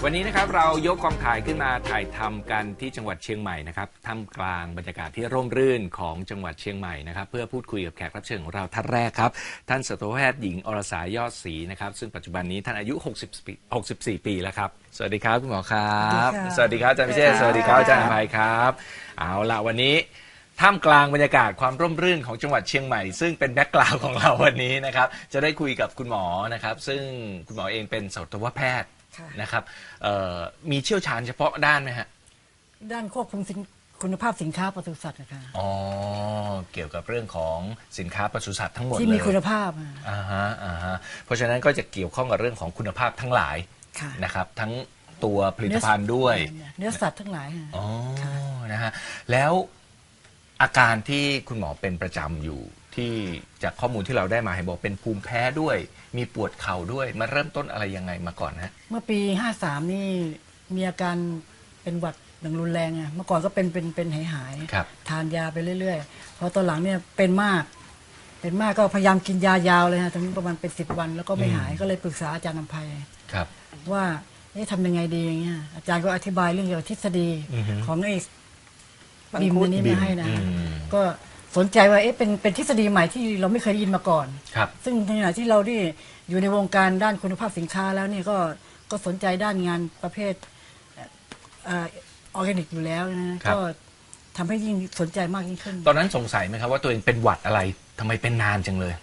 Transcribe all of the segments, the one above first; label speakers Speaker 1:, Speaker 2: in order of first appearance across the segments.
Speaker 1: วันนี้นะครับเรายกกองถ่ายขึ้นมาถ่ายทำกันที่จังหวัดเชียงใหม่นะครับท่ามกลางบรรยากาศที่ร่มรื่นของจังหวัดเชียงใหม่นะครับเพื่อพูดคุยกับแขกรับเชิญของเราท่านแรกครับท่านสัตวแพทย์หญิงอรสายอดศรีนะครับซึ่งปัจจุบันนี้ท่านอายุ64 ปีแล้วครับสวัสดีครับคุณหมอครับสวัสดีครับอาจารย์พิเชษสวัสดีครับอาจารย์อภัยครับเอาละวันนี้ท่ามกลางบรรยากาศความร่มรื่นของจังหวัดเชียงใหม่ซึ่งเป็นแบ็คกราวด์ของเราวันนี้นะครับจะได้คุยกับคุณหมอนะครับซึ่งคุณหมอเองเป็นสัตวแพทย์นะครับมีเชี่ยวชาญเฉพาะด้านไหมฮะ
Speaker 2: ด้านควบคุมคุณภาพสินค้าปศุสัตว์นะคะ
Speaker 1: อ๋อเกี่ยวกับเรื่องของสินค้าปศุสัตว์ทั้งหมด
Speaker 2: ที่มีคุณภาพ
Speaker 1: เพราะฉะนั้นก็จะเกี่ยวข้องกับเรื่องของคุณภาพทั้งหลายนะครับทั้งตัวผลิตภัณฑ์ด้วย
Speaker 2: เนื้อสัตว์ทั้งหลาย
Speaker 1: อ๋อนะฮะแล้วอาการที่คุณหมอเป็นประจำอยู่ที่จากข้อมูลที่เราได้มาให้บอกเป็นภูมิแพ้ด้วยมีปวดเข่าด้วยมาเริ่มต้นอะไรยังไงมาก่อนฮะ
Speaker 2: เมื่อปี53นี่มีอาการเป็นหวัดอย่างรุนแรงอ่ะเมื่อก่อนก็เป็นหายทานยาไปเรื่อยๆพอตอนหลังเนี่ยเป็นมากก็พยายามกินยายาวเลยฮะถึงประมาณเป็น10 วันแล้วก็ไม่หายก็เลยปรึกษาอาจารย์นำไพว่าทำยังไงดีอย่างเงี้ยอาจารย์ก็อธิบายเรื่องเกี่ยวกับทฤษฎีของไอ้บิมตัวนี้มาให้นะก็สนใจว่าเป็นทฤษฎีใหม่ที่เราไม่เคยได้ยินมาก่อนซึ่งในขณะที่เราที่อยู่ในวงการด้านคุณภาพสินค้าแล้วนี่ก็สนใจด้านงานประเภทออร์แกนิกอยู่แล้วนะก็ทำให้ยิ่งสนใจมากยิ่งขึ้น
Speaker 1: ตอนนั้นสงสัยไหมครับว่าตัวเองเป็นหวัดอะไรทำไมเป็นนานจังเลย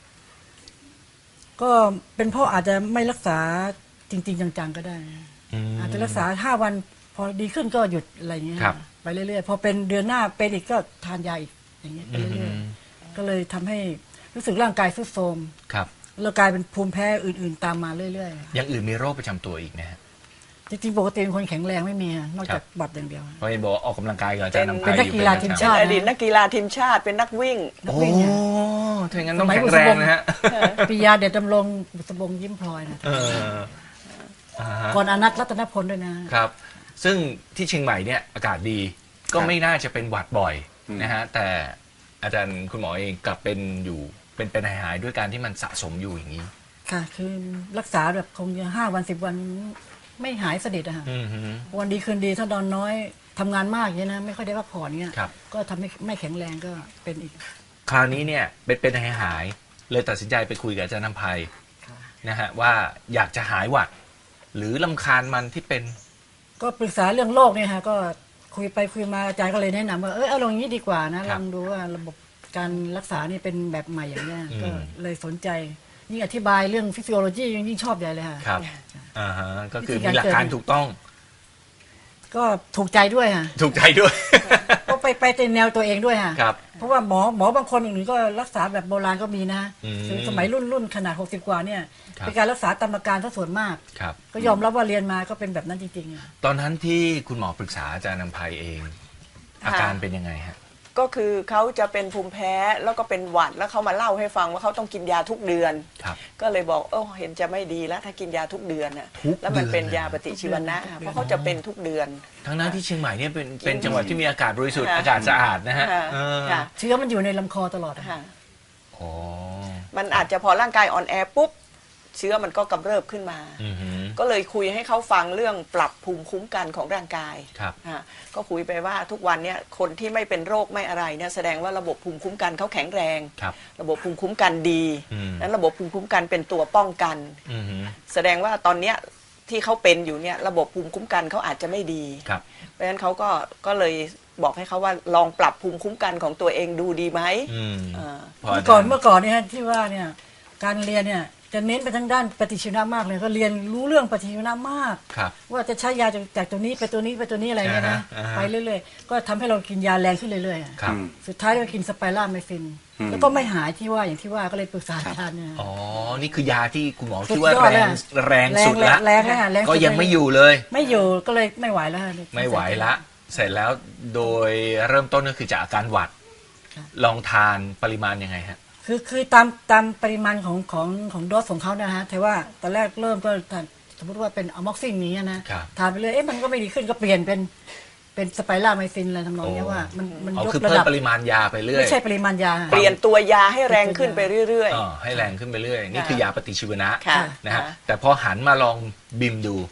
Speaker 2: ก็เป็นเพราะอาจจะไม่รักษาจริงๆจังๆก็ได้อาจจะรักษา5 วันพอดีขึ้นก็หยุดอะไรเงี้ยไปเรื่อยๆพอเป็นเดือนหน้าเป็นอีกก็ทานยาอีกอย่างเงี้ยไปเรื่อยๆก็เลยทำให้รู้สึกร่างกายทรุดโทรมแล้วกลายเป็นภูมิแพ้อื่นๆตามมาเรื่อย
Speaker 1: ๆอย่างอื่นมีโรคประจำตัวอีกนะฮะ
Speaker 2: จริงๆปกติเป็นคนแข็งแรงไม่มีนอกจากบัตรอย่างเดียว
Speaker 1: เพราะเห็นบอกออกกำลังกายกับอาจารย์นำไพ
Speaker 2: เป็นนักกีฬาทีมชาติ
Speaker 3: อดีตนักกีฬาทีมชาติเป็นนักวิ่ง
Speaker 1: โอ้ถ้างั้นต้องแข็งแรงนะฮะ
Speaker 2: ปิยาเดชดำรงบุษบงยิ้มพลอยนะก่อนอนัทรัตนพลด้วย
Speaker 1: นะครับซึ่งที่เชียงใหม่เนี่ยอากาศดีก็ไม่น่าจะเป็นหวัดบ่อยนะฮะแต่อาจารย์คุณหมอเองกลับเป็นอยู่เป็นหายด้วยการที่มันสะสมอยู่อย่างนี้
Speaker 2: ค่ะคือรักษาแบบคงจะ5 วัน10 วันไม่หายสนิทอะค่ะวันดีคืนดีถ้านอนน้อยทำงานมากอย่างนี้นะไม่ค่อยได้พักผ่อนเงี้ยก็ทำให้ไม่แข็งแรงก็เป็นอีก
Speaker 1: คราวนี้เนี่ยเป็นหายเลยตัดสินใจไปคุยกับอาจารย์นำไพนะฮะว่าอยากจะหายหวัดหรือรำคาญมันที่เป็น
Speaker 2: ก็ปรึกษาเรื่องโรคเนี่ยค่ะก็คุยไปคุยมาอาจารย์ก็เลยแนะนำว่าเอาลองนี้ดีกว่านะลองดูว่าระบบการรักษานี่เป็นแบบใหม่อย่างเงี้ยก็เลยสนใจยิ่งอธิบายเรื่องฟิสิโอโลจียิ่งชอบใหญ่เลยค่ะ
Speaker 1: ครับก็คือมีหลักการถูกต้อง
Speaker 2: ก็ถูกใจด้วยค่ะ
Speaker 1: ถูกใจด้วย
Speaker 2: ก็ไปในแนวตัวเองด้วยค่ะเพราะว่าหมอบางคนอื่นก็รักษาแบบโบราณก็มีนะสมัยรุ่นขนาด60 กว่าเนี่ยเป็นการรักษาตามอาการซะส่วนมากก็ยอมรับว่าเรียนมาก็เป็นแบบนั้นจริง
Speaker 1: ๆตอนนั้นที่คุณหมอปรึกษาอาจารย์นำไพเองอาการเป็นยังไงฮะ
Speaker 3: ก็คือเขาจะเป็นภูมิแพ้แล้วก็เป็นหวัดแล้วเขามาเล่าให้ฟังว่าเขาต้องกินยาทุกเดือนก็เลยบอกเห็นจะไม่ดีแล้วถ้ากินยาทุกเดือนน่ะแล้วมันเป็นยาปฏิชีวนะเพราะเขาจะเป็นทุกเดือน
Speaker 1: ทั้งนั้นที่เชียงใหม่เนี่ยเป็นจังหวัดที่มีอากาศบริสุทธิ์อากาศสะอาดนะฮะ
Speaker 2: เชื้อมันอยู่ในลำคอตลอด
Speaker 3: มันอาจจะพอร่างกายอ่อนแอปุ๊บเชื้อมันก็กำเริบขึ้นมาก็เลยคุยให้เขาฟังเรื่องปรับภูมิคุ้มกันของร่างกายก็คุยไปว่าทุกวันนี้คนที่ไม่เป็นโรคไม่อะไรเนี่ยแสดงว่าระบบภูมิคุ้มกันเขาแข็งแรงระบบภูมิคุ้มกันดีนั้นระบบภูมิคุ้มกันเป็นตัวป้องกันแสดงว่าตอนเนี้ยที่เขาเป็นอยู่เนี่ยระบบภูมิคุ้มกันเขาอาจจะไม่ดีเพราะฉะนั้นเขาก็เลยบอกให้เขาว่าลองปรับภูมิคุ้มกันของตัวเองดูดีไหม
Speaker 2: เมื่อก่อนเนี่ยที่ว่าเนี่ยการเรียนเนี่ยจะเน้นไปทางด้านปฏิชีวนะมากเลยก็เรียนรู้เรื่องปฏิชีวนะมากว่าจะใช้ยาจากตัวนี้ไปตัวนี้ไปตัวนี้อะไรเงี้ยนะไปเรื่อยๆก็ทำให้เรากินยาแรงขึ้นเรื่อยๆสุดท้ายก็กินสไปร่าไมซินแล้วก็ไม่หายที่ว่าอย่างที่ว่าก็เลยปรึกษาอาจารย์เนี่ย
Speaker 1: นี่คือยาที่คุณหมอคิดว่าแรงสุดละก็ยังไม่อยู่เลย
Speaker 2: ไม่อยู่ก็เลยไม่ไหวแล้ว
Speaker 1: ไม่ไหวละเสร็จแล้วโดยเริ่มต้นก็คือจากอาการหวัดลองทานปริมาณยังไงฮะ
Speaker 2: คือตามปริมาณของโดสของเขานะฮะแต่ว่าตอนแรกเริ่มก็สมมติว่าเป็นอะม็อกซินนี้นะทานไปเลยมันก็ไม่ดีขึ้นก็เปลี่ยนเป็นสไปร่าไมซินอะไรทำนองนี้ว่ามัน
Speaker 1: ยกระดับปริมาณยาไปเรื่อย
Speaker 2: ไม่ใช่ปริมาณยา
Speaker 3: เปลี่ยนตัวยาให้แรงขึ้นไปเรื่อย
Speaker 1: ๆให้แรงขึ้นไปเรื่อยนี่คือยาปฏิชีวนะนะฮะแต่พอหันมาลองบิมดู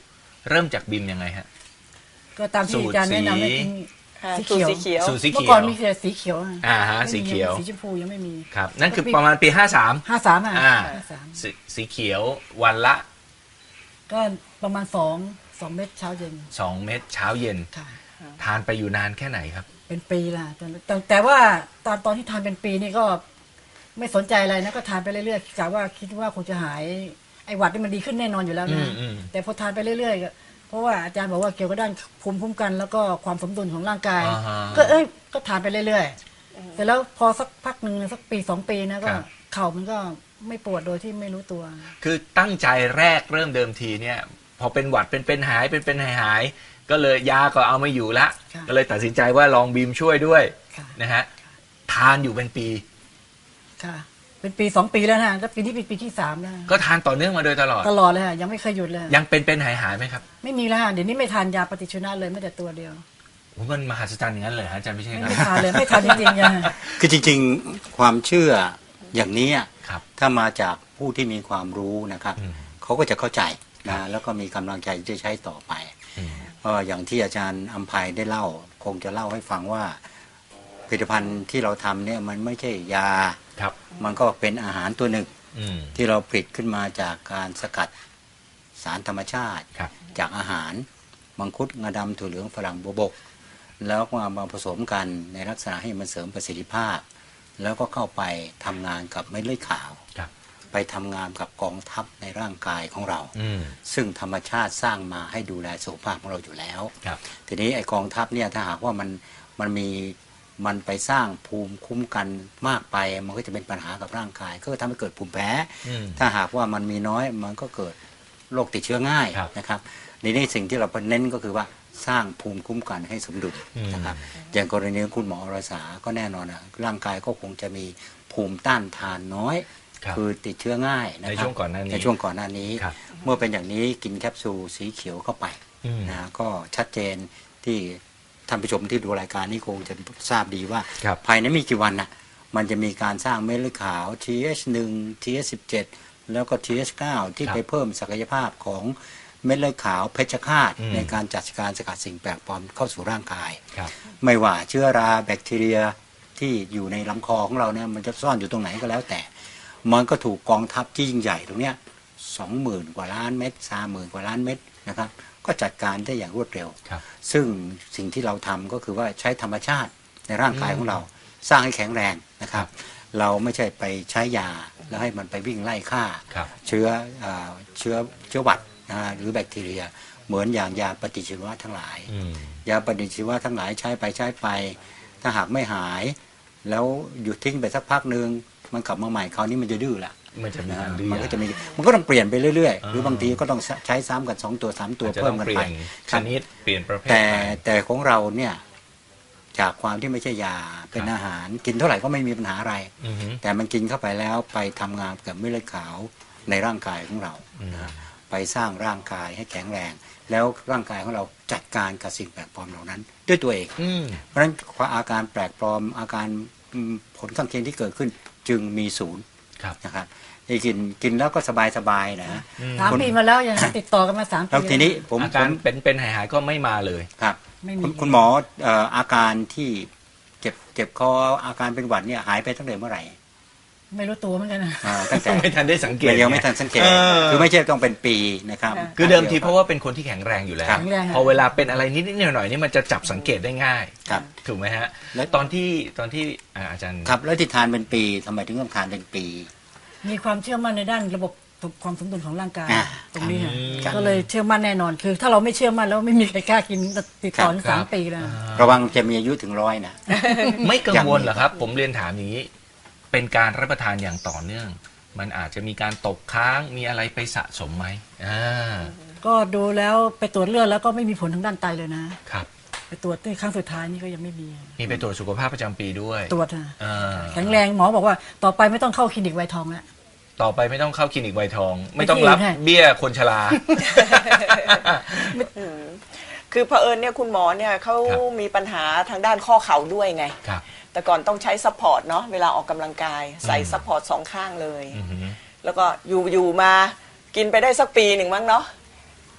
Speaker 1: เริ่มจากบิมยังไงฮะ
Speaker 2: ก็ตามที่อาจารย์แนะนำให้กิน
Speaker 3: ค่ะ
Speaker 2: สี
Speaker 3: สูตร
Speaker 2: เขียว
Speaker 3: สีเขียว
Speaker 1: สูตรสี
Speaker 2: เมื่
Speaker 1: เขี
Speaker 2: อก่อน
Speaker 1: ยว
Speaker 2: มีแต่สีเขียวอะ
Speaker 1: ฮะ
Speaker 2: ไม่มี
Speaker 1: สีเขียว
Speaker 2: สีชมพูยังไม่มี
Speaker 1: ครับนั่นคือประมาณปี 53
Speaker 2: 53อ่ะ
Speaker 1: อ่า
Speaker 2: 53
Speaker 1: สีเขียววันละ
Speaker 2: ก็ประมาณ2 เม็ดเช้าเย็น
Speaker 1: 2 เม็ดเช้าเย็น
Speaker 2: ค่ะ
Speaker 1: ทานไปอยู่นานแค่ไหนครับ
Speaker 2: เป็นปีละแต่ว่าตอนที่ทานเป็นปีนี่ก็ไม่สนใจอะไรนะก็ทานไปเรื่อยๆกะว่าคิดว่าคงจะหายไอ้หวัดนี่มันดีขึ้นแน่นอนอยู่แล้วนะ
Speaker 1: อืม
Speaker 2: แต่พอทานไปเรื่อยๆก็เพราะว่าอาจารย์บอกว่าเกี่ยวกับด้านภูมิคุ้มกัน แล้วก็ความสมดุลของร่างกาย
Speaker 1: อ่าฮะ
Speaker 2: ก็ทานไปเรื่อยๆแต่แล้วพอสักพักหนึ่งสักปี 2 ปีนะก็
Speaker 1: ครับ
Speaker 2: เข่ามันก็ไม่ปวดโดยที่ไม่รู้ตัว
Speaker 1: คือตั้งใจแรกเริ่มเดิมทีเนี่ย พอเป็นหวัดเป็นหายเป็นหายก็เลยยาก็เอาไม่อยู่ละ
Speaker 2: ค่ะ
Speaker 1: ก็เลยตัดสินใจว่าลองบีมช่วยด้วย
Speaker 2: ค่ะ
Speaker 1: นะฮะทานอยู่เป็นปี
Speaker 2: ค่ะ เป็นปี 2 ปีแล้วนะแล้วปีนี้เป็นปีที่3แล้ว
Speaker 1: ก็ทานต่อเนื่องมาโดยตลอด
Speaker 2: ตลอดเลยค่ะยังไม่เคยหยุดเลย
Speaker 1: ยังเป็นหายไหมครับ
Speaker 2: ไม่มีแล้วค่ะเดี๋ยวนี้ไม่ทานยาปฏิชีวนะเลยไม่แต่ตัวเดียว
Speaker 1: โอ้มันมหัศจรรย์อย่างนั้นเลยฮะอาจารย์ไม่ใช่ครับ
Speaker 2: ไม่ทานเลยไม่ทานจริงๆอะ
Speaker 4: คือจริงๆความเชื่ออย่างนี้อะ
Speaker 1: ครับ
Speaker 4: ถ้ามาจากผู้ที่มีความรู้นะครับ
Speaker 1: อืม
Speaker 4: เขาก็จะเข้าใจนะแล้วก็มีกำลังใจที่จะใช้ต่อไป
Speaker 1: อืม
Speaker 4: อย่างที่อาจารย์อภัยได้เล่า คงจะเล่าให้ฟังว่าผลิตภัณฑ์ที่เราทำเนี่ยมันไม่ใช่ยา
Speaker 1: ครับ
Speaker 4: มันก็เป็นอาหารตัวหนึ่ง
Speaker 1: อืม
Speaker 4: ที่เราผลิตขึ้นมาจากการสกัดสารธรรมชาติ
Speaker 1: ครับ
Speaker 4: จากอาหารมังคุดงาดำถั่วเหลืองฝรั่งบัวบก แล้วก็มาผสมกันในลักษณะให้มันเสริมประสิทธิภาพ แล้วก็เข้าไปทำงานกับเม็ดเลือดขาว
Speaker 1: ครับ
Speaker 4: ไปทำงานกับกองทัพในร่างกายของเรา
Speaker 1: อืม
Speaker 4: ซึ่งธรรมชาติสร้างมาให้ดูแลสุขภาพของเราอยู่แล้ว
Speaker 1: ครับ
Speaker 4: ทีนี้ไอกองทัพเนี่ยถ้าหากว่ามันไปสร้างภูมิคุ้มกันมากไปมันก็จะเป็นปัญหากับร่างกาย ก็ทำให้เกิดภูมิแพ้
Speaker 1: อืม
Speaker 4: ถ้าหากว่ามันมีน้อยมันก็เกิดโรคติดเชื้อง่าย
Speaker 1: ครับ
Speaker 4: นะครับในนี้สิ่งที่เราเน้นก็คือว่าสร้างภูมิคุ้มกันให้สมดุล
Speaker 1: อืม
Speaker 4: นะครับอย่างกรณีของคุณหมออรสาก็แน่นอนนะร่างกายก็คงจะมีภูมิต้านทานน้อย
Speaker 1: ครับ
Speaker 4: คือติดเชื้อง่ายนะครับ
Speaker 1: ในช่วงก่อนหน้านี้
Speaker 4: ในช่วงก่อนหน้านี้
Speaker 1: ครับ
Speaker 4: เมื่อเป็นอย่างนี้กินแคปซูลสีเขียวเข้าไป
Speaker 1: อืม
Speaker 4: นะก็ชัดเจนที่ท่านผู้ชมที่ดูรายการนี้คงจะทราบดีว่า
Speaker 1: ครับ
Speaker 4: ภายในไม่กี่วันน่ะมันจะมีการสร้างเม็ดเลือดขาว TH1 TH17 แล้วก็ TH9 ที่
Speaker 1: ครับ
Speaker 4: ไปเพิ่มศักยภาพของเม็ดเลือดขาวเพชฌฆาต
Speaker 1: อืม
Speaker 4: ในการจัดการสกัดสิ่งแปลกปลอมเข้าสู่ร่างกาย
Speaker 1: ครับ
Speaker 4: ไม่ว่าเชื้อราแบคทีเรียที่อยู่ในลำคอของเราเนี่ยมันจะซ่อนอยู่ตรงไหนก็แล้วแต่ มันก็ถูกกองทัพที่ยิ่งใหญ่ตรงเนี้ย 20,000 กว่าล้านเม็ด30,000 กว่าล้านเม็ดนะครับก็จัดการได้อย่างรวดเร็ว
Speaker 1: ครับ
Speaker 4: ซึ่งสิ่งที่เราทำก็คือว่าใช้ธรรมชาติในร่างกายของเรา สร้างให้แข็งแรงนะครับ เราไม่ใช่ไปใช้ยาแล้วให้มันไปวิ่งไล่ฆ่า
Speaker 1: ครับ
Speaker 4: เชื้อหวัดหรือแบคทีเรีย เหมือนอย่างยาปฏิชีวนะทั้งหลาย
Speaker 1: อืม
Speaker 4: ยาปฏิชีวะทั้งหลายใช้ไป ถ้าหากไม่หาย แล้วหยุดทิ้งไปสักพักหนึ่งมันกลับมาใหม่คราวนี้มันจะดื้อละ
Speaker 1: มันจะมี
Speaker 4: นะ
Speaker 1: การดื้อ
Speaker 4: มันก็จะมีมันก็ต้องเปลี่ยนไปเรื่อยๆ หรือ
Speaker 1: อ่า
Speaker 4: บางทีก็ต้องใช้ซ้ำกัน2 ตัว 3 ตัว
Speaker 1: อาจจะ
Speaker 4: เพิ่
Speaker 1: ต้
Speaker 4: ม
Speaker 1: อง
Speaker 4: กัน
Speaker 1: เปลี่
Speaker 4: ไป
Speaker 1: ยน
Speaker 4: ค
Speaker 1: ช
Speaker 4: รับ
Speaker 1: นิดเปลี่ยนประเภท
Speaker 4: แต่
Speaker 1: ไป
Speaker 4: แต่ของเราเนี่ยจากความที่ไม่ใช่ยาเป็น
Speaker 1: ครับ
Speaker 4: อาหาร กินเท่าไหร่ก็ไม่มีปัญหาอะไร
Speaker 1: อือฮึ
Speaker 4: แต่มันกินเข้าไปแล้วไปทำงานกับเม็ดเลือดขาวในร่างกายของเรา
Speaker 1: อืม
Speaker 4: นะฮะไปสร้างร่างกายให้แข็งแรง แล้วร่างกายของเราจัดการกับสิ่งแปลกปลอมเหล่านั้น ด้วยตัวเอง
Speaker 1: อืม
Speaker 4: เพราะฉะนั้นอาการแปลกปลอมอาการผลข้างเคียงที่เกิดขึ้นจึงมีศูนย์
Speaker 1: ครับ
Speaker 4: นะครับนี่กินแล้วก็สบายๆนะ
Speaker 2: 3 ปีมาแล้วยังติดต่อกันมา3 ปี
Speaker 4: แล้วทีนี้ผม
Speaker 1: อาการเป็นหายก็ไม่มาเลย
Speaker 4: ครับ
Speaker 2: ไม่มี
Speaker 4: คุณหมออาการที่เจ็บคออาการเป็นหวัดเนี่ยหายไปตั้งแต่เมื่อไหร่
Speaker 2: ไม่รู้ตัวเหมือนกันนะ
Speaker 4: ตั้งแต่
Speaker 1: ไม่ทันได้สังเกต
Speaker 4: ยังไม่ทันสังเกต
Speaker 1: เออ
Speaker 4: คือไม่ใช่ต้องเป็นปีนะครับ
Speaker 3: ค่ะ
Speaker 1: คือเดิมทีเพราะว่าเป็นคนที่แข็งแรงอยู่แล้ว
Speaker 2: แข็งแรงค่ะ
Speaker 1: พอเวลาเป็นอะไรนิดๆหน่อยๆนี่มันจะจับสังเกตได้ง่าย
Speaker 4: ครับ
Speaker 1: ถูกไหมฮะ
Speaker 4: แล้ว
Speaker 1: ตอนที่อาจารย์
Speaker 4: ครับแล้วที่ทานเป็นปีทำไมถึงต้องทานเป็นปี
Speaker 2: มีความเชื่อมั่นในด้านระบบความสมดุลของร่างกาย
Speaker 4: อ่า
Speaker 2: ตรงนี้ค่ะ
Speaker 4: ครับ
Speaker 2: ก็เลยเชื่อมั่นแน่นอนคือ ถ้าเราไม่เชื่อมั่นแล้วไม่มีใครกล้ากินติดต่อถึง
Speaker 1: ครับ
Speaker 2: 3 ปีแล้ว
Speaker 4: ระวังจะมีอายุถึง100นะ
Speaker 1: ไม่กังวลเหรอครับ ผมเรียนถามอย่างนี้ เป็นการรับประทานอย่างต่อเนื่อง มันอาจจะมีการตกค้างมีอะไรไปสะสมไหม
Speaker 2: ก็ดูแล้วไปตรวจเลือดแล้วก็ไม่มีผลทางด้านไตเลยนะครับ ไปตรวจที่ครั้งสุดท้ายนี่ก็ยังไม่มี
Speaker 1: มีไปตรวจสุขภาพประจำปีด้วย
Speaker 2: ตรวจค่ะ
Speaker 1: อ่า
Speaker 2: แข็งแรงหมอบอกว่าต่อไปไม่ต้องเข้าคลินิกไวท์ทองแล้ว
Speaker 1: ต่อไปไม่ต้องเข้าคลินิกไวท์ทอง ไม่ต้องรับ
Speaker 2: ไม่ใช่
Speaker 1: เบี้ยคนชรา
Speaker 3: คือเผอิญเนี่ยคุณหมอเนี่ยเขา
Speaker 1: ครับ
Speaker 3: มีปัญหาทางด้านข้อเข่าด้วยไง
Speaker 1: ครับ
Speaker 3: แต่ก่อนต้องใช้ซัพพอร์ตเนาะเวลาออกกำลังกายใส่ซัพพอร์ต2 ข้างเลย
Speaker 1: อือฮึ
Speaker 3: แล้วก็อยู่มากินไปได้สักปีหนึ่งมั้งเนาะ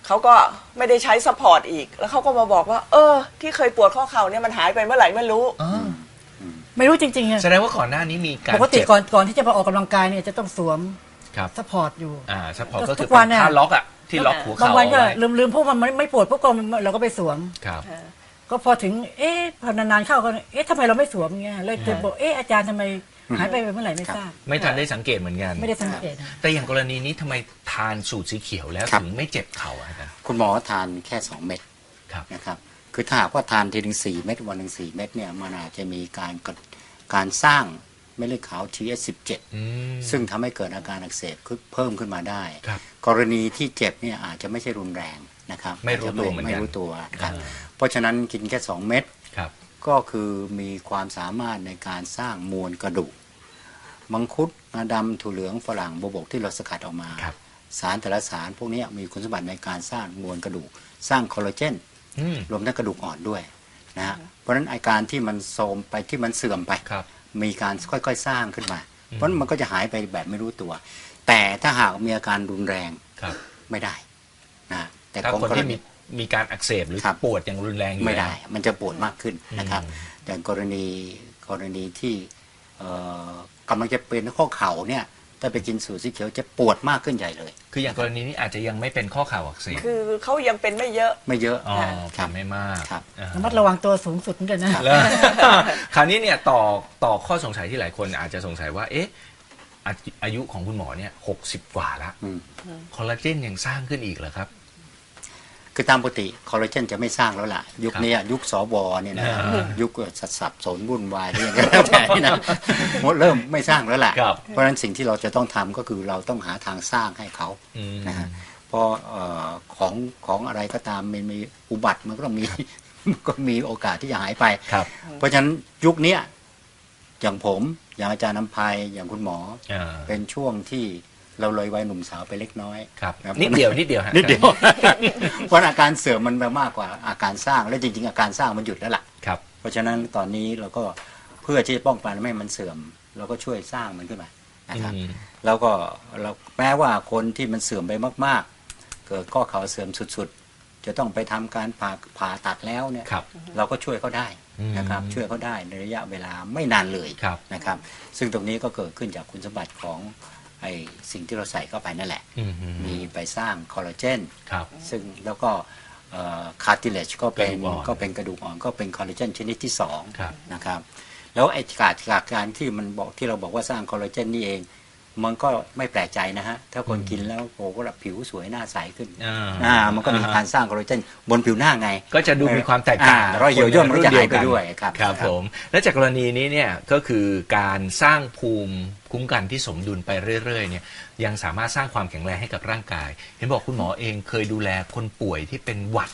Speaker 3: เขาก็ไม่ได้ใช้ซัพพอร์ตอีกแล้วเขาก็มาบอกว่าที่เคยปวดข้อเข่าเนี่ยมันหายไปเมื่อไหร่ไม่รู้
Speaker 2: ไม่รู้จริงๆอะ
Speaker 1: แสดงว่าก่อนหน้านี้มีการ
Speaker 2: ปกติ
Speaker 1: เจ็บ
Speaker 2: ก่อนที่จะมาออกกำลังกายเนี่ยจะต้องสวม
Speaker 1: ครับ
Speaker 2: ซัพพอร์ตอยู่
Speaker 1: ซัพพอร์ตก็
Speaker 2: ทุ
Speaker 1: คือก
Speaker 2: วั
Speaker 1: เป็น น
Speaker 2: เนี่ย
Speaker 1: ท่าล็อกอ่ะที่ล็อกหัว
Speaker 2: บา
Speaker 1: เข่าง
Speaker 2: วันก็
Speaker 1: เอาไว้
Speaker 2: ลืมพวกมันไม่ปวดพวกก็เราก็ไปสวม
Speaker 1: ครับ
Speaker 2: ก็พอถึงพอนานๆเข้าก็ทำไมเราไม่สวมเงี้ยเลยจะบอกอาจารย์ทำไมหายไปเมื่อไหร่ไม่ทราบ
Speaker 1: ไม่ทันได้สังเกตเหมือนกัน
Speaker 2: ไม่ได้สังเกตนะ
Speaker 1: แต่อย่างกรณีนี้ทำไมทานสูตรสีเขียวแล้ว
Speaker 4: ครับ
Speaker 1: ถึงไม่เจ็บเข่าอะครับ
Speaker 4: คุณหมอทานแค่ 2 เม็ด
Speaker 1: ครับ
Speaker 4: นะครับคือถ้าหากว่าทานทีถึง4เม็ดวันหนึ่ง4เม็ดเนี่ยมันอาจจะมีการสร้างเม็ดเลือดขาว TH17
Speaker 1: อืม
Speaker 4: ซึ่งทำให้เกิดอาการอักเสบเพิ่มขึ้นมาได้
Speaker 1: ครับ
Speaker 4: กรณีที่เจ็บเนี่ยอาจจะไม่ใช่รุนแรงนะครับ
Speaker 1: ไม่รู้ตัวเหมือนกัน
Speaker 4: ไม่รู้ตัวครับ
Speaker 1: อ่า
Speaker 4: เพราะฉะนั้นกินแค่ 2 เม็ด
Speaker 1: ครับ
Speaker 4: ก็คือมีความสามารถในการสร้างมวลกระดูกมังคุดงาดำถั่วเหลืองฝรั่งโบวบกที่เราสกัดออกมา
Speaker 1: ครับ
Speaker 4: สารแต่ละสารพวกนี้มีคุณสมบัติในการสร้างมวลกระดูก สร้างคอลลาเจน
Speaker 1: อืม
Speaker 4: รวมทั้งกระดูกอ่อนด้วยนะฮะเพราะฉะนั้นอาการที่มันโทรมไปที่มันเสื่อมไป
Speaker 1: ครับ
Speaker 4: มีการค่อยๆสร้างขึ้นมา เพราะฉะนั้นมันก็จะหายไปแบบไม่รู้ตัว แต่ถ้าหากมีอาการรุนแรง
Speaker 1: ครับ
Speaker 4: ไม่ได้นะแต่
Speaker 1: ถ้า
Speaker 4: ของ
Speaker 1: คน
Speaker 4: กร
Speaker 1: ที่
Speaker 4: ณี
Speaker 1: มีการอักเสบหรือ
Speaker 4: ครับ
Speaker 1: ปวดอย่างรุนแรงอยู่
Speaker 4: ไม่ได้
Speaker 1: แล้ว
Speaker 4: มันจะปวดมากขึ้นนะครับ
Speaker 1: อืม
Speaker 4: แต่กรณีที่กำลังจะเป็นข้อเข่าเนี่ยถ้าไปกินสูตรสีเขียวจะปวดมากขึ้นใหญ่เลย
Speaker 1: คืออย่างกรณีนี้อาจจะยังไม่เป็นข้อเข่าอักเสบ
Speaker 3: คือเขายังเป็นไม่เยอะ
Speaker 4: ไม่เยอะ
Speaker 1: อ๋อ
Speaker 4: ครับ
Speaker 1: ไม่มาก
Speaker 4: ครับ
Speaker 1: อ่า
Speaker 2: ระมัดระวังตัวสูงสุดด้วยนะ
Speaker 1: แล้ว คราวนี้เนี่ยต่อข้อสงสัยที่หลายคนอาจจะสงสัยว่า อายุของคุณหมอเนี่ย60 กว่าแล้ว
Speaker 4: อืม
Speaker 1: คอลลาเจนยังสร้างขึ้นอีกเหรอครับ
Speaker 4: คือตามปกติคอลลาเจนจะไม่สร้างแล้วล่ะ ยุคนี้ยุคสวเนี่ยนะ ยุคสับสนวุ่นวายอะไรอย่างเงี้ยแล้วแต่นี่นะหมดเริ่มไม่สร้างแล้วล่ะ
Speaker 1: ครับ
Speaker 4: เพราะฉะนั้นสิ่งที่เราจะต้องทำก็คือเราต้องหาทางสร้างให้เขา
Speaker 1: อืม
Speaker 4: นะฮะเพราะของอะไรก็ตามมันมีอุบัติมันก็ต้องมี มันก็มีโอกาสที่จะหายไป
Speaker 1: ครับ
Speaker 4: เพราะฉะนั้นยุคเนี้ยอย่างผมอย่างอาจารย์น้ำพายอย่างคุณหมอ
Speaker 1: อ่า
Speaker 4: เป็นช่วงที่เราเลยวัยหนุ่มสาวไปเล็กน้อย
Speaker 1: ครับ
Speaker 4: ครับ
Speaker 1: นิดเดียวฮะ
Speaker 4: นิดเดียว เพราะอาการเสื่อมมันไปมากกว่าอาการสร้างและจริงๆอาการสร้างมันหยุดแล้วล่ะ
Speaker 1: ครับ
Speaker 4: เพราะฉะนั้นตอนนี้เราก็เพื่อที่จะป้องกันไม่ให้มันเสื่อม เราก็ช่วยสร้างมันขึ้นมานะครับ
Speaker 1: อืม
Speaker 4: แล้วก็เราแม้ว่าคนที่มันเสื่อมไปมากๆ เกิดข้อเข่าเสื่อมสุดๆ จะต้องไปทำการผ่าตัดแล้วเนี่ย
Speaker 1: ครับ
Speaker 4: เราก็ช่วยเขาได้นะครับ
Speaker 1: อืม
Speaker 4: ช่วยเขาได้ในระยะเวลาไม่นานเลย
Speaker 1: ครับ
Speaker 4: นะครับ ซึ่งตรงนี้ก็เกิดขึ้นจากคุณสมบัติของไอ้สิ่งที่เราใส่เข้าไปนั่นแหละ
Speaker 1: อืม
Speaker 4: มีไปสร้างคอลลาเจน
Speaker 1: ครับ
Speaker 4: ซึ่งแล้วก็คาร์ติเลจก็เป็น
Speaker 1: กระดูกอ่อน
Speaker 4: ก็เป็นกระดูกอ่อนก็เป็นคอลลาเจนชนิดที่
Speaker 1: ครับ
Speaker 4: 2นะครับแล้วไอ้การที่มันบอกที่เราบอกว่าสร้างคอลลาเจนนี่เอง มันก็ไม่แปลกใจนะฮะ ถ้าคนกินแล้วโอ้โหแบบผิวสวยหน้าใสขึ้น มันก็มีการสร้างคอลลาเจนบนผิวหน้าไง
Speaker 1: ก็จะดูมีความแตกต่าง
Speaker 4: รอยเหี่ยวย่นมันก็จะหายไปด้วยครับ
Speaker 1: ครับผม และจากกรณีนี้เนี่ยก็คือการสร้างภูมิคุ้มกันที่สมดุลไปเรื่อยๆเนี่ยยังสามารถสร้างความแข็งแรงให้กับร่างกาย เห็นบอกคุณหมอเองเคยดูแลคนป่วยที่เป็นหวัด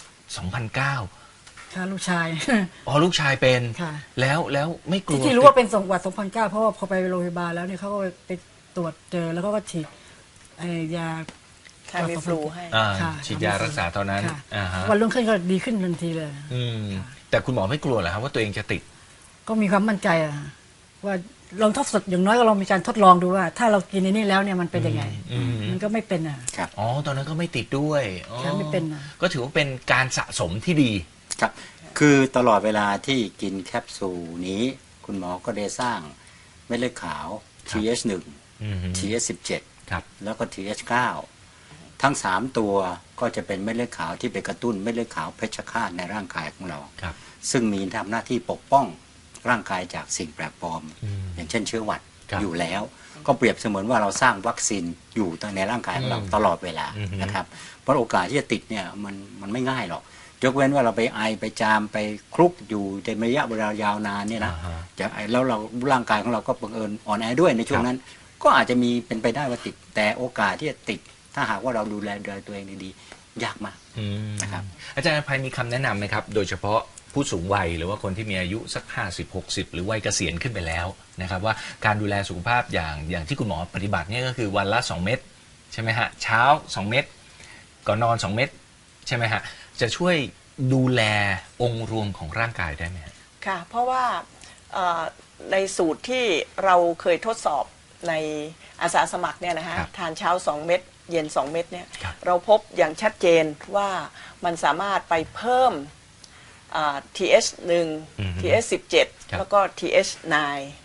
Speaker 1: 2009
Speaker 2: ค่ะลูกชาย
Speaker 1: อ๋อลูกชายเป็น
Speaker 2: ค่ะ
Speaker 1: แล้วไม่กลัว
Speaker 2: ที่รู้ว่าเป็นหวัด2009เพราะว่าพอไปโรงพยาบาลแล้วเนี่ยเขาก็ไปตรวจเจอแล้วก็ฉีดยา
Speaker 3: แค่มีฟลูให้
Speaker 1: อ่า
Speaker 2: ค่ะ
Speaker 1: ฉีดยารักษาตอนนั้น
Speaker 2: ค่ะ
Speaker 1: อ่าฮะ
Speaker 2: วันรุ่งขึ้นก็ดีขึ้นทันทีเลย
Speaker 1: อืมแต่คุณหมอไม่กลัวเหรอครับว่าตัวเองจะติด
Speaker 2: ก็มีความมั่นใจอะว่าลองทดสอบอย่างน้อยก็ลองมีการทดลองดูว่า ถ้าเรากินในนี้แล้วเนี่ยมันเป็นยังไง
Speaker 1: อืม
Speaker 2: มันก็ไม่เป็นอ่ะ
Speaker 4: ครับ
Speaker 1: อ๋อตอนนั้นก็ไม่ติดด้วยอ๋อ
Speaker 2: ค่ะไม่เป็นนะ
Speaker 1: ก็ถือว่าเป็นการสะสมที่ดี
Speaker 4: ครับ คือตลอดเวลาที่กินแคปซูลนี้ คุณหมอก็ได้สร้างเม็ดเลือดขาว TH1
Speaker 1: อืม
Speaker 4: TH17
Speaker 1: ครับ
Speaker 4: แล้วก็ TH9 ทั้ง 3 ตัวก็จะเป็นเม็ดเลือดขาวที่ไปกระตุ้นเม็ดเลือดขาวเพชฌฆาตในร่างกายของเรา
Speaker 1: ครับ
Speaker 4: ซึ่งมีทำหน้าที่ปกป้องร่างกายจากสิ่งแปลกปลอม
Speaker 1: อืม
Speaker 4: อย่างเช่นเชื้อหวัด
Speaker 1: ครับ
Speaker 4: อยู่แล้ว ก็เปรียบเสมือนว่าเราสร้างวัคซีนอยู่ในร่างกายของเรา
Speaker 1: อืม
Speaker 4: ตลอดเวลา
Speaker 1: อืม
Speaker 4: นะครับเพราะโอกาสที่จะติดเนี่ยมันไม่ง่ายหรอกยกเว้นว่าเราไปไอไปจามไปคลุกอยู่ในระยะเวลายาวนานเนี่ยนะ
Speaker 1: อ่าฮะ
Speaker 4: จะไอแล้วเราร่างกายของเราก็บังเอิญอ่อนแอด้วยในช่วงนั้น ก็อาจจะมีเป็นไปได้ว่าติด แต่โอกาสที่จะติด ถ้าหากว่าเราดูแลตัวเองดีๆยากมาก
Speaker 1: อืม
Speaker 4: นะครับ
Speaker 1: อาจารย์อภัยมีคำแนะนำไหมครับ โดยเฉพาะผู้สูงวัยหรือว่าคนที่มีอายุสัก50-60 หรือวัยเกษียณขึ้นไปแล้วนะครับว่าการดูแลสุขภาพอย่างที่คุณหมอปฏิบัติเนี่ยก็คือวันละ 2 เม็ดใช่ไหมฮะเช้า 2 เม็ดก่อนนอน 2 เม็ดใช่ไหมฮะจะช่วยดูแลองค์รวมของร่างกายได้ไหมฮะ
Speaker 3: ค่ะ เพราะว่าในสูตรที่เราเคยทดสอบในอาสาสมัครเนี่ยนะฮะ
Speaker 1: ครับ
Speaker 3: ทานเช้า 2 เม็ดเย็น2 เม็ดเนี่ยเราพบอย่างชัดเจนว่ามันสามารถไปเพิ่มTH1 TH17 แล้วก็ TH9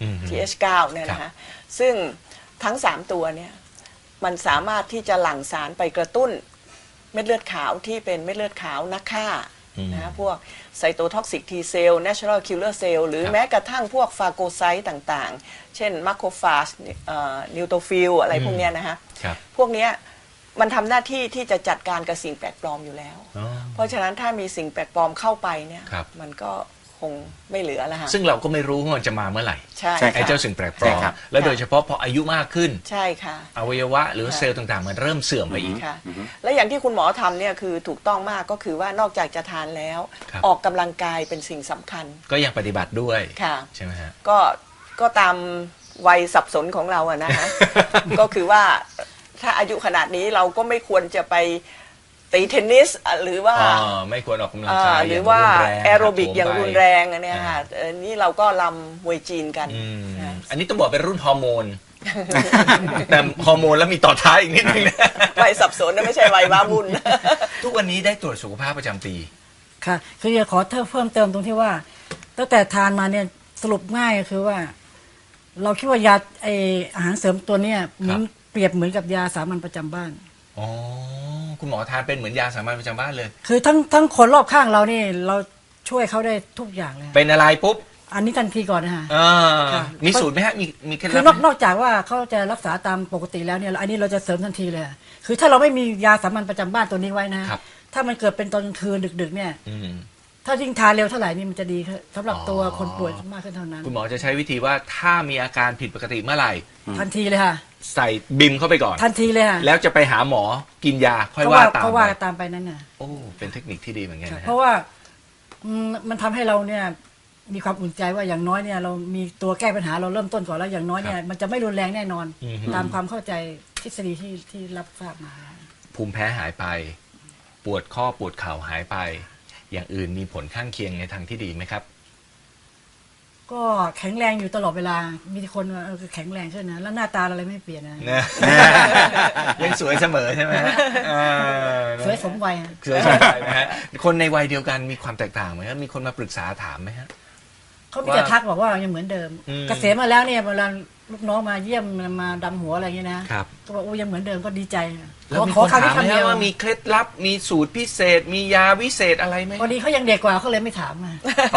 Speaker 3: TH9 เนี่ยนะฮะซึ่งทั้ง3ตัวเนี่ยมันสามารถที่จะหลั่งสารไปกระตุ้นเม็ดเลือดขาวที่เป็นเม็ดเลือดขาวนักฆ่านะพวกไซโตท็อกซิกทีเซลล์ natural killer cell หรือแม้กระทั่งพวกฟาโกไซต์ต่างๆเช่นมาโคฟาจนิวโตฟิลอะไรพวกเนี้ยนะฮะพวกเนี้ยมันทำหน้าที่ที่จะจัดการกับสิ่งแปลกปลอมอยู่แล้วเพราะฉะนั้นถ้ามีสิ่งแปลกปลอมเข้าไปเนี่ยมันก็คงไม่เหลือแล้วฮะ
Speaker 1: ซึ่งเราก็ไม่รู้ว่ามันจะมาเมื่อไหร่
Speaker 3: ใช่
Speaker 1: ไอ้เจ้าสิ่งแปลกปลอมและโดยเฉพาะพออายุมากขึ้น
Speaker 3: ใช่ค่ะ
Speaker 1: อวัยวะหรือเซลล์ต่างๆมันเริ่มเสื่อมไปอีก
Speaker 3: ค่ะและอย่างที่คุณหมอทำเนี่ยคือถูกต้องมากก็คือว่านอกจากจะทานแล้วออกกำลังกายเป็นสิ่งสำคัญ
Speaker 1: ก็ยังปฏิบัติด้วย
Speaker 3: ใ
Speaker 1: ช่ไหมฮะ
Speaker 3: ก็ตามวัยสับสนของเราอะนะฮะ ก็คือว่าถ้าอายุขนาดนี้เราก็ไม่ควรจะไปตีเทนนิสหรือว่า
Speaker 1: ไม่ควรออกกำลังกาย
Speaker 3: หรือว่าแอโรบิกอย่างรุนแรงอันนี้ค่ะนี่เราก็ลำมวยจีนกัน
Speaker 1: อันนี้ต้องบอกเป็นรุ่นฮอร์โมนแต่ฮอร์โมนแล้วมีต่อท้ายอีกนิดนึงนะ
Speaker 3: วัยสับสนนะไม่ใช่วัยว้าวุ่น
Speaker 1: ทุกวันนี้ได้ตรวจสุขภาพประจำปี
Speaker 2: ค่ะคืออยากขอเพิ่มเติมตรงที่ว่าตั้งแต่ทานมาเนี่ยสรุปง่ายก็คือว่าเราคิดว่ายาอาหารเสริมตัวเนี้ยเปรียบเหมือนกับยาสามัญประจำบ้าน
Speaker 1: อ๋อคุณหมอทานเป็นเหมือนยาสามัญประจำบ้านเลย
Speaker 2: คือทั้งคนรอบข้างเรานี่เราช่วยเขาได้ทุกอย่างเลย
Speaker 1: เป็นอะไรปุ๊บ
Speaker 2: อันนี้ทันทีก่อนนะฮะ
Speaker 1: มีสูตรไหมฮะมีเคล็ดลับ
Speaker 2: คือนอกจากว่าเขาจะรักษาตามปกติแล้วเนี่ยอันนี้เราจะเสริมทันทีเลยคือถ้าเราไม่มียาสามัญประจำบ้านตัวนี้ไว้นะถ้ามันเกิดเป็นตอนกลางคืนดึกๆเนี่ยถ้ายิ่งทานเร็วเท่าไหร่นี่มันจะดีสำหรับตัวคนป่วยมากขึ้นเท่านั้น
Speaker 1: คุณหมอจะใช้วิธีว่าถ้ามีอาการผิดปกติเมื่อไหร่
Speaker 2: ทันทีเลยค่ะ
Speaker 1: ใส่บิมเข้าไปก่อน
Speaker 2: ทันทีเลยค่ะ
Speaker 1: แล้วจะไปหาหมอกินยาค่อยว่าตามไป
Speaker 2: เขาว่าตามไปนั่นน่ะ
Speaker 1: โอ้เป็นเทคนิคที่ดีเหมือนกันนะ
Speaker 2: เพราะว่ามันทำให้เราเนี่ยมีความอุ่นใจว่าอย่างน้อยเนี่ยเรามีตัวแก้ปัญหาเราเริ่มต้นก่อนแล้วอย่างน้อยเนี่ยมันจะไม่รุนแรงแน่นอนตามความเข้าใจทฤษฎีที่รับทราบมา
Speaker 1: ภูมิแพ้หายไปปวดข้อปวดเข่าหายไปอย่างอื่นมีผลข้างเคียงในทางที่ดีไหมครับ
Speaker 2: ก็แข็งแรงอยู่ตลอดเวลามีคนว่าแข็งแรงขึ้นนะแล้วหน้าตาอะไรไม่เปลี่ยนนะ
Speaker 1: ยังสวยเสมอใช่ไหม
Speaker 2: สวยสมวัย
Speaker 1: สวยสมวัยนะฮะคนในวัยเดียวกันมีความแตกต่างไหมครับมีคนมาปรึกษาถามไหมฮะ
Speaker 2: เขามีแต่ทักบอกว่ายังเหมือนเดิมเกษียณมาแล้วเนี่ยเวลาลูกน้องมาเยี่ยมมาดำหัวอะไรอย่างเงี้ยนะก็บอกโอ้ยังเหมือนเดิมก็ดีใจ
Speaker 1: แล้วมีคนถามไหมว่ามีเคล็ดลับมีสูตรพิเศษมียาวิเศษอะไรไหม
Speaker 2: พอดีเขายังเด็กกว่าเขาเลยไม่ถามมา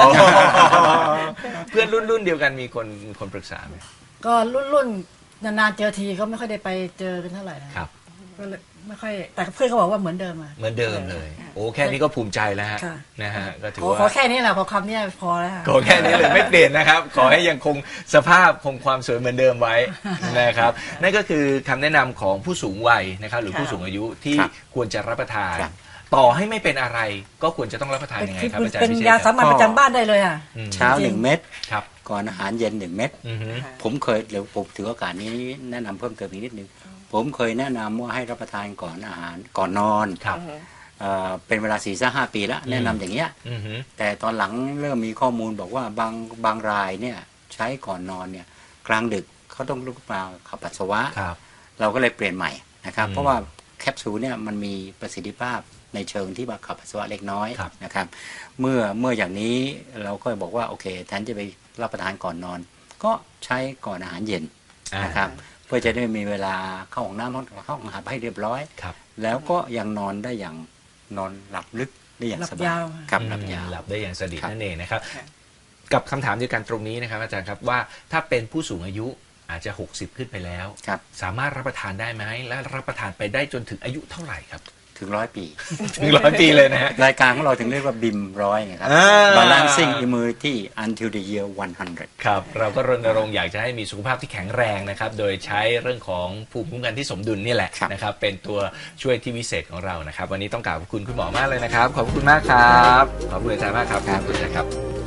Speaker 1: เพื่อนรุ่นเดียวกันมีคนปรึกษาไหม
Speaker 2: ก็รุ่นนานๆเจอทีเขาไม่ค่อยได้ไปเจอกันเท่าไหร่ครับก็เลยไม่ค่อยแต่เพื่อนเขาบอกว่าเหมือนเดิม
Speaker 1: เหมือนเดิมเลยโอ้แค่นี้ก็ภูมิใจแล้วฮะนะฮะก็ถือว่า
Speaker 2: ขอแค่นี้แหละพอคำนี้พอแล้ว
Speaker 1: ขอแค่นี้เลยไม่เปลี่ยนนะครับขอให้ยังคงสภาพคงความสวยเหมือนเดิมไว้นะครับนั่นก็คือคำแนะนำของผู้สูงวัยนะครับหรือผู้สูงอายุที่ควรจะรับประทานต่อให้ไม่เป็นอะไรก็ควรจะต้องรับประทานยังไงครับอาจารย์
Speaker 2: เป็นยาสามัญประจำบ้านได้เลยอ่ะ
Speaker 4: เช้า1 เม็ดก่อนอาหารเย็น1 เม็ดผมเคยเดี๋ยวผมถือโอกาสนี้แนะนำเพิ่มเติมอีกนิดนึงผมเคยแนะนำว่าให้รับประทานก่อนอาหารก่อนนอนเป็นเวลา4-5 ปีแล้วแนะนำอย่างเงี้ยแต่ตอนหลังเริ่มมีข้อมูลบอกว่าบางรายเนี่ยใช้ก่อนนอนเนี่ยกลางดึกเขาต้องลุกมาขับปัสสาวะเราก็เลยเปลี่ยนใหม่นะครับเพราะว่าแคปซูลเนี่ยมันมีประสิทธิภาพในเชิงที่ว่าขับปัสสาวะเล็กน้อยนะครับเมื่ออย่างนี้เราก็บอกว่าโอเคแทนจะไปรับประทานก่อนนอนก็ใช้ก่อนอาหารเย็นนะครับเพื่อจะได้มีเวลาเข้าห้องน้ำเข้าห้องอาบให้เรียบร้อยแล้วก็ยังนอนได้อย่างนอนหลับลึกได้อย่างสบาย
Speaker 2: ครับ
Speaker 1: หลับยาวหลับได้อย่างสนิทนั่นเองนะครับกับคำถามเดียวกันตรงนี้นะครับอาจารย์ครับว่าถ้าเป็นผู้สูงอายุอาจจะ60ขึ้นไปแล้วสามารถรับประทานได้ไหมและรับประทานไปได้จนถึงอายุเท่าไหร่ครับ
Speaker 4: ถึง100 ปี
Speaker 1: ถึง100 ปีเลยนะฮะ
Speaker 4: รายการของเราถึงเรียกว่าบิม100ไงครับ Balancing Immunity Until the Year 100
Speaker 1: ครับเราก็รณรงค์อยากจะให้มีสุขภาพที่แข็งแรงนะครับโดยใช้เรื่องของภูมิคุ้มกันที่สมดุลนี่แหละนะครับเป็นตัวช่วยที่วิเศษของเรานะครับวันนี้ต้องกราบขอบคุณคุณหมอมากเลยนะครับขอบคุณมากครับขอบคุณอาจารย์มากครับขอบคุณครับ